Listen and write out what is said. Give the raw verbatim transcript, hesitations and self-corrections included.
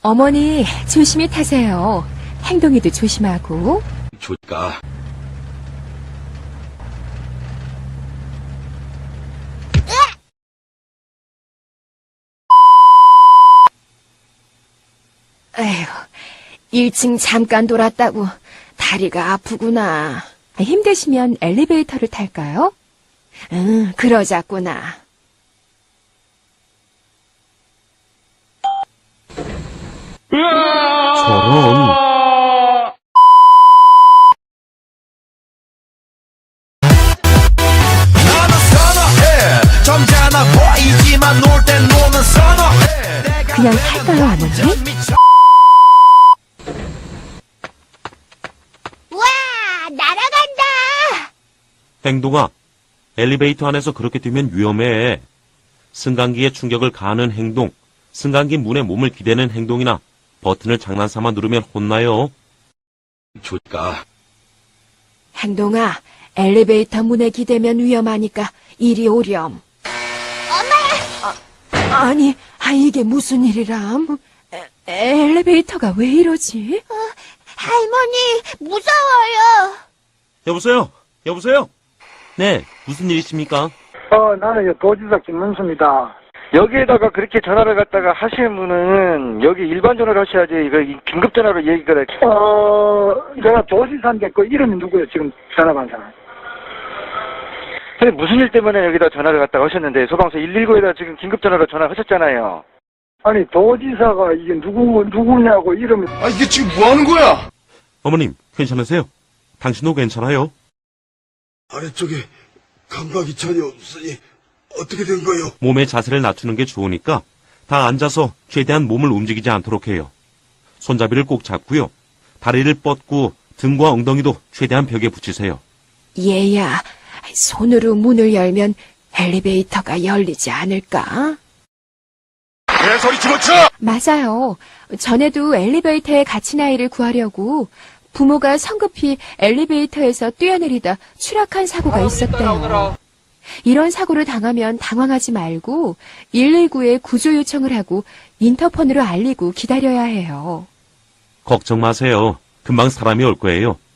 어머니, 조심히 타세요. 행동이도 조심하고. 조까. 에휴, 일 층 잠깐 돌았다고 다리가 아프구나. 힘드시면 엘리베이터를 탈까요? 응, 그러자꾸나. 저런. 그냥 탈까요, 어머니? 우와, 날아간다! 행동아, 엘리베이터 안에서 그렇게 뛰면 위험해. 승강기에 충격을 가하는 행동, 승강기 문에 몸을 기대는 행동이나 버튼을 장난삼아 누르면 혼나요. 조까. 행동아, 엘리베이터 문에 기대면 위험하니까 이리 오렴. 엄마! 아, 아니, 아, 이게 무슨 일이람? 에, 엘리베이터가 왜 이러지? 어, 할머니, 무서워요. 여보세요? 여보세요? 네, 무슨 일이십니까? 어, 나는 도지사 김문수입니다. 여기에다가 그렇게 전화를 갖다가 하시는 분은 여기 일반 전화를 하셔야지 이거 긴급 전화로 얘기가 돼. 어, 제가 도지사인데 그 이름이 누구예요? 지금 전화 받은 사람. 근데 무슨 일 때문에 여기다 전화를 갖다가 하셨는데 소방서 일일구에다 지금 긴급 전화로 전화하셨잖아요. 아니 도지사가 이게 누구 누구냐고 이름이. 아, 이게 지금 뭐 하는 거야? 어머님, 괜찮으세요? 당신도 괜찮아요? 아래쪽에 감각이 전혀 없으니 어떻게 된 거요? 몸의 자세를 낮추는 게 좋으니까 다 앉아서 최대한 몸을 움직이지 않도록 해요. 손잡이를 꼭 잡고요. 다리를 뻗고 등과 엉덩이도 최대한 벽에 붙이세요. 얘야, 손으로 문을 열면 엘리베이터가 열리지 않을까? 개소리 집어쳐! 맞아요. 전에도 엘리베이터에 갇힌 아이를 구하려고 부모가 성급히 엘리베이터에서 뛰어내리다 추락한 사고가 있었대요. 이런 사고를 당하면 당황하지 말고 일일구에 구조 요청을 하고 인터폰으로 알리고 기다려야 해요. 걱정 마세요. 금방 사람이 올 거예요.